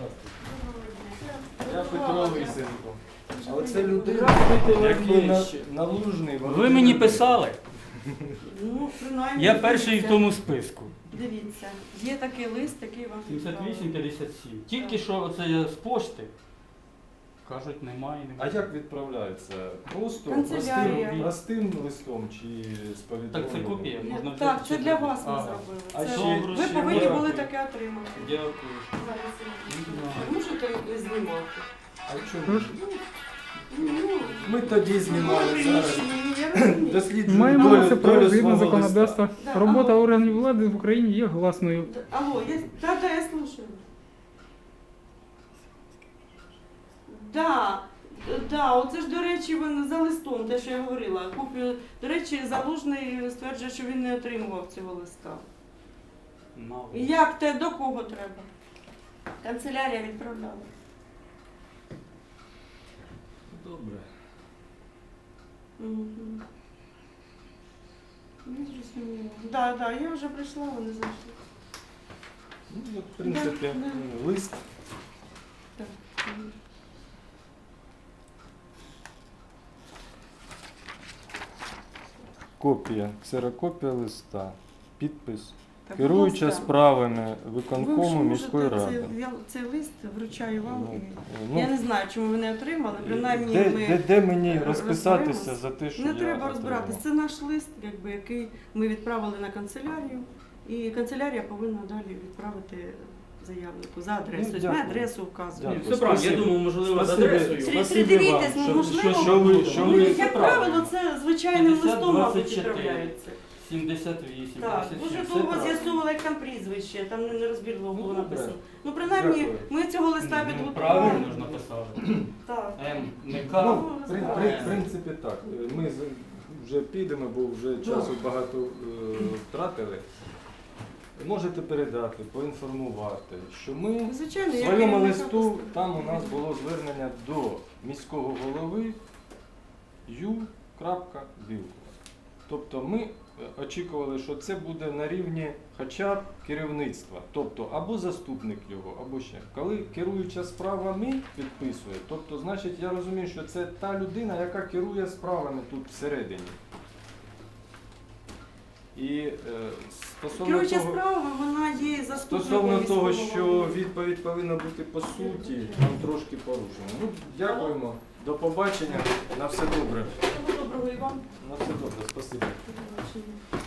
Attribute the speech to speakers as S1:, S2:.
S1: Я Петро Лисенко. А оце людина, який налужний.
S2: Ви мені писали?
S3: Ну, принаймні.
S2: Я перший в
S3: дивіться.
S2: тому списку.
S3: Дивіться, є такий лист, який вам
S2: 78-57. Тільки що оце я з пошти. Кажуть, немає.
S1: А як відправляється? Просто
S3: Канцелярія.
S1: простим листом чи з
S2: Так
S1: повідомленням?
S2: це копія. Можна взяти
S3: Так, це
S2: чи
S3: для
S2: ні?
S3: вас ми
S2: А,
S3: зробили.
S1: А
S3: Це
S1: ще-
S3: ви
S2: ще
S3: повинні були
S2: дякую.
S3: таке отримати.
S2: Дякую.
S3: Зараз я
S2: Ну,
S3: можете знімати.
S1: А чому?
S3: Ну,
S1: Ми тоді знімали зараз. Досліджуємо
S4: Маємо
S1: долю-
S4: це
S1: долю
S4: право згідно
S1: свого
S4: законодавства.
S1: листа.
S3: Да,
S4: Робота
S3: алло.
S4: органів влади в Україні є гласною.
S3: Алло, я слушаю. Да, оце ж, до речі, він за листом, те, що я говорила. Копію, до речі, Залужний стверджує, що він не отримував цього листа.
S2: мало.
S3: І як те, до кого треба? Канцелярія відправляла.
S1: Добре.
S3: Мгм. Не зрозуміло. Да, я вже прийшла, вони зайшли.
S1: Ну, от, в принципі,
S3: Да.
S1: лист.
S3: Так. Мгм.
S1: Копія, ксерокопія листа, підпис.
S3: Так,
S1: Керуюча
S3: будь ласка.
S1: справами
S3: Ви
S1: виконкому
S3: ж
S1: міської
S3: можете
S1: ради.
S3: цей лист вручаю вам.
S1: Ну,
S3: І я не знаю, чому ви не отримали. Принаймні
S1: де,
S3: ми
S1: де мені розписатися
S3: розберемось.
S1: за те, що
S3: не
S1: я
S3: треба розбиратись.
S1: отримав?
S3: Це наш лист, який ми відправили на канцелярію, і канцелярія повинна далі відправити заявнику за адресою.
S1: Ну,
S3: Тобто ми
S1: дякую.
S3: адресу вказуємо.
S1: Дякую.
S2: Все правильно, я
S1: Спасибо.
S2: думав, можливо, з
S1: Спасибо.
S2: адресою.
S1: Спасибо
S3: Придивіться,
S1: вам,
S3: можливо,
S1: що
S3: Ну,
S1: ви...
S3: як правило, це звичайним
S2: 50,
S3: листом, мабуть,
S2: 24.
S3: відправляється.
S2: 78,
S3: Так,
S2: 57.
S3: дуже
S2: Все
S3: довго
S2: правильно.
S3: з'ясовували, як там прізвище, там нерозбірливо було
S1: Ну, добре.
S3: написано. Ну, принаймні,
S1: Дякую.
S3: ми цього листа
S2: Ну,
S3: підготували.
S2: правильно ж написали.
S3: Так.
S2: М, не
S1: Ну,
S2: К.
S1: в принципі, так. Ми вже підемо, бо вже часу багато втратили. Можете передати, поінформувати, що ми
S3: Звичайно,
S1: в
S3: я
S1: своєму
S3: керівника
S1: листу,
S3: поставлю.
S1: там у нас було звернення до міського голови Ю.Білкова. Тобто ми очікували, що це буде на рівні хоча б керівництва, тобто або заступник його, або ще. Коли керуюча справами підписує, тобто, значить, я розумію, що це та людина, яка керує справами тут всередині. І стосовно
S3: Керуюча
S1: того,
S3: справа, вона є заступником
S1: стосовно того,
S3: міського
S1: що
S3: голови.
S1: відповідь повинна бути по суті, там трошки порушено. Ну, дякуємо, до побачення, на все добре.
S3: Всього доброго і вам.
S1: На все добре, спасибо.
S3: До побачення.